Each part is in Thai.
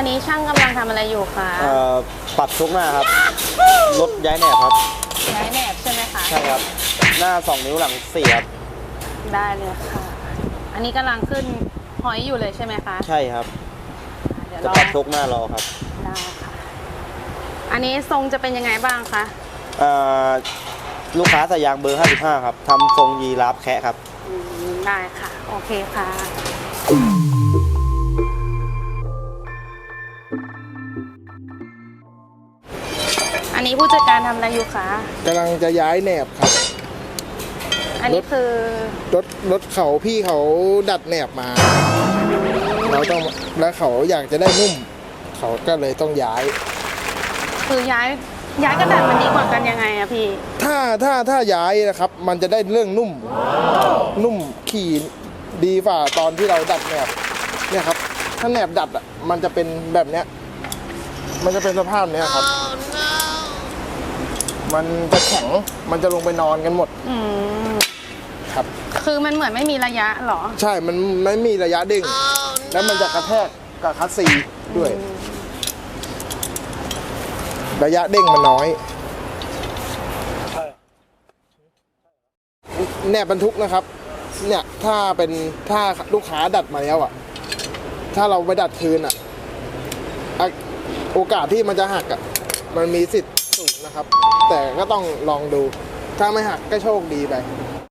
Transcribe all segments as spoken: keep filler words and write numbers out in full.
นนี้ช่างกำลังทำอะไรอยู่คะเอ่อปรับชุกหน้าครับลดย้ายแหนบครับย้ายแหนบใช่ไหมคะใช่ครับหน้าสองนิ้วหลังสี่ครับได้เลยค่ะ อันนี้กำลังขึ้นหอยอยู่เลยใช่ไหมคะใช่ครับเดี๋ยวจะปรับชุกหน้ารอครับได้ค่ะอันนี้ทรงจะเป็นยังไงบ้างคะเอ่อลูกค้าใส่ยางเบอร์ห้าสิบห้าครับทำทรงยีราฟแคะครับได้ค่ะโอเคค่ะอันนี้ผู้จัดการทำอะไรอยู่คะกำลังจะย้ายแหนบครับอันนี้คือรถรถเขาพี่เขาดัดแหนบมาเราต้องแล้วเขาอยากจะได้นุ่มเขาก็เลยต้องย้ายคือย้ายย้ายกระดาษมันดีกว่ากันยังไงอะพี่ถ้าถ้าถ้าย้ายนะครับมันจะได้เรื่องนุ่มนุ่มขี่ดีฝ่าตอนที่เราดัดแหนบเนี่ยครับถ้าแหนบดัดอ่ะมันจะเป็นแบบเนี้ยมันจะเป็นสภาพเนี้ยครับ oh, no. มันจะแข็งมันจะลงไปนอนกันหมดอืมครับคือมันเหมือนไม่มีระยะหรอใช่มันไม่มีระยะเด้ง oh, no. แล้วมันจะกระแทกกับคัสซีด้วยระยะเด้งมันน้อยแหนบบรรทุกนะครับเนี่ยถ้าเป็นถ้าลูกค้าดัดมาแล้วอ่ะถ้าเราไปดัดคืนอ่ะโอกาสที่มันจะหักอ่ะมันมีสิทธิ์สูงนะครับแต่ก็ต้องลองดูถ้าไม่หักก็โชคดีไป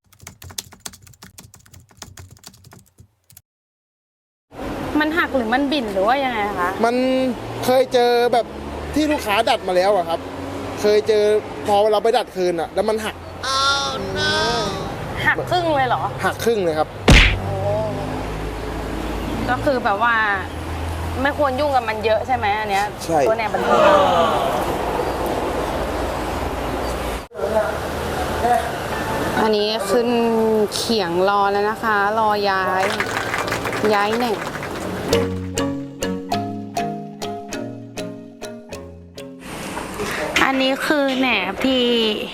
มันหักหรือมันบิ่นหรือว่ายังไงคะมันเคยเจอแบบที่ลูกค้าดัดมาแล้วอะครับเคยเจอพอเราไปดัดคืนอะแล้วมันหัก oh, no. หักครึ่งเลยเหรอหักครึ่งเลยครับโอ้ก็คือแบบว่าไม่ควรยุ่งกับมันเยอะใช่ไหมอันเนี้ยใช่ตัวแหนบบันทึกอันนี้ขึ้นเขียงรอแล้วนะคะรอย้ายย้ายแหนบอันนี้คือแหนบที่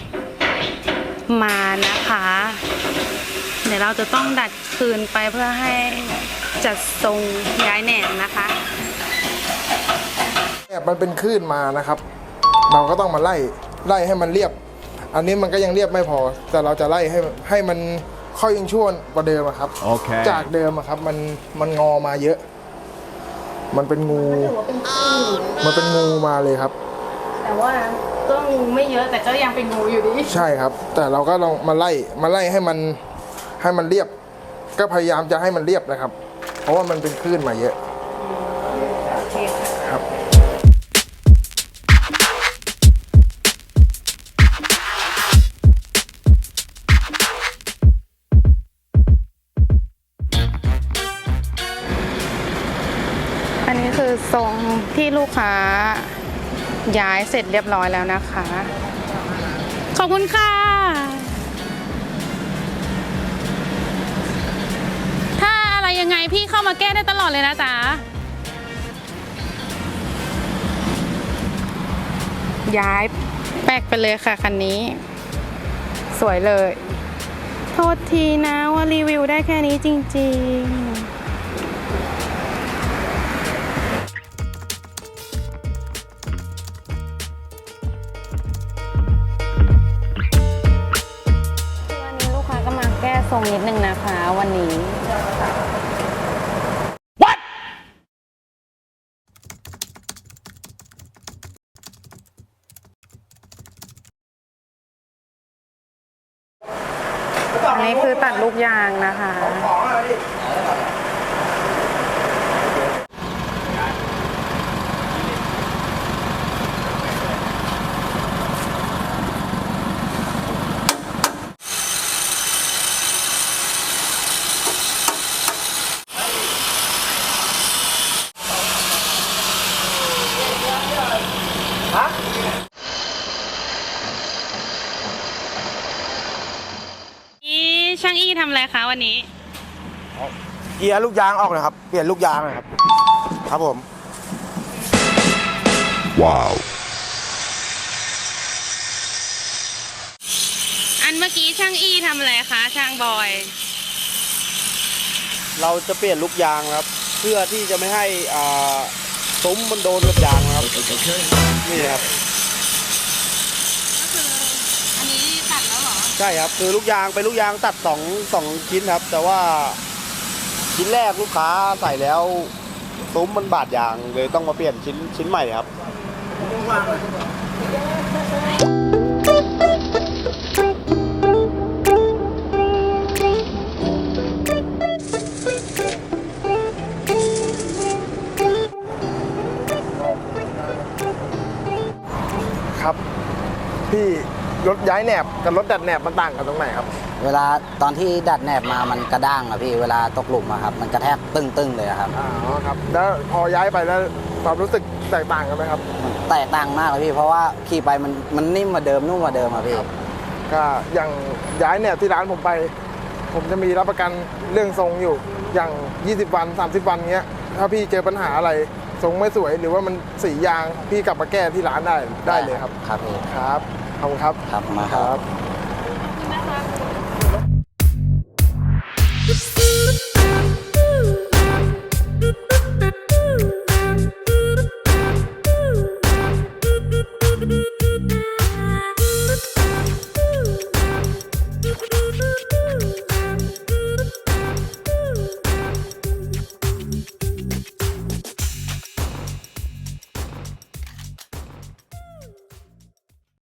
มานะคะเดี๋ยวเราจะต้องดัดคืนไปเพื่อให้จัดทรงย้ายแหนบนะคะแหนบมันเป็นคลื่นมานะครับเราก็ต้องมาไล่ไล่ให้มันเรียบอันนี้มันก็ยังเรียบไม่พอแต่เราจะไล่ให้ให้มันค่อยยังชั่วกว่าเดิมครับ okay. จากเดิมครับมันมันงอมาเยอะ มันเป็นงูมันเป็นงูมาเลยครับแต่ว่าก็งูไม่เยอะแต่ก็ยังเป็นงูอยู่ดีใช่ครับแต่เราก็ลองมาไล่มาไล่ให้มันให้มันเรียบก็พยายามจะให้มันเรียบนะครับเพราะว่ามันเป็นคลื่นมาเยอะโอเคครับอันนี้คือทรงที่ลูกค้าย้ายเสร็จเรียบร้อยแล้วนะคะขอบคุณค่ะถ้าอะไรยังไงพี่เข้ามาแก้ได้ตลอดเลยนะจ๊ะย้ายแปลกไปเลยค่ะคันนี้สวยเลยโทษทีนะว่ารีวิวได้แค่นี้จริงๆทรงนิดนึงนะคะวันนี้ What? อันนี้คือตัดลูกยางนะคะช่างอี้ทำอะไรคะวันนี้เกียร์ลูกยางออกเลยครับเปลี่ยนลูกยางเลยครับครับผมว้าวอันเมื่อกี้ช่างอี้ทำอะไรคะช่างบอยเราจะเปลี่ยนลูกยางครับเพื่อที่จะไม่ให้ซุ้มมันโดนกับยางนะครับนี่ครับก็คืออันนี้ตัดแล้วเหรอใช่ครับคือลูกยางเป็นลูกยางตัดสองสองชิ้นครับ แต่ว่าชิ้นแรกลูกค้าใส่แล้วซุ้มมันบาดยางเลยต้องมาเปลี่ยนชิ้นชิ้นใหม่ครับครับ พี่รถย้ายแหนบกับรถดัดแหนบมันต่างกันตรงไหนครับเวลาตอนที่ดัดแหนบมามันกระด้างอะพี่ เวลาตกหลุมอะครับ มันกระแทกตึ้งๆเลยอะครับอ๋อครับ แล้วพอย้ายไปแล้วความรู้สึกแตกต่างกันไหมครับแตกต่างมากเลยพี่ เพราะว่าขี่ไปมันมันนิ่มกว่าเดิมนุ่มกว่าเดิมอะพี่ก็อย่างย้ายแหนบที่ร้านผมไป ผมจะมีรับประกันเรื่องทรงอยู่อย่างยี่สิบวันสามสิบวันเงี้ยถ้าพี่เจอปัญหาอะไรทรงไม่สวยหรือว่ามันสียางพี่กลับมาแก้ที่ร้านได้ได้เลยครับครับพี่ครับขอบคุณครับครับมาคครัรับ บ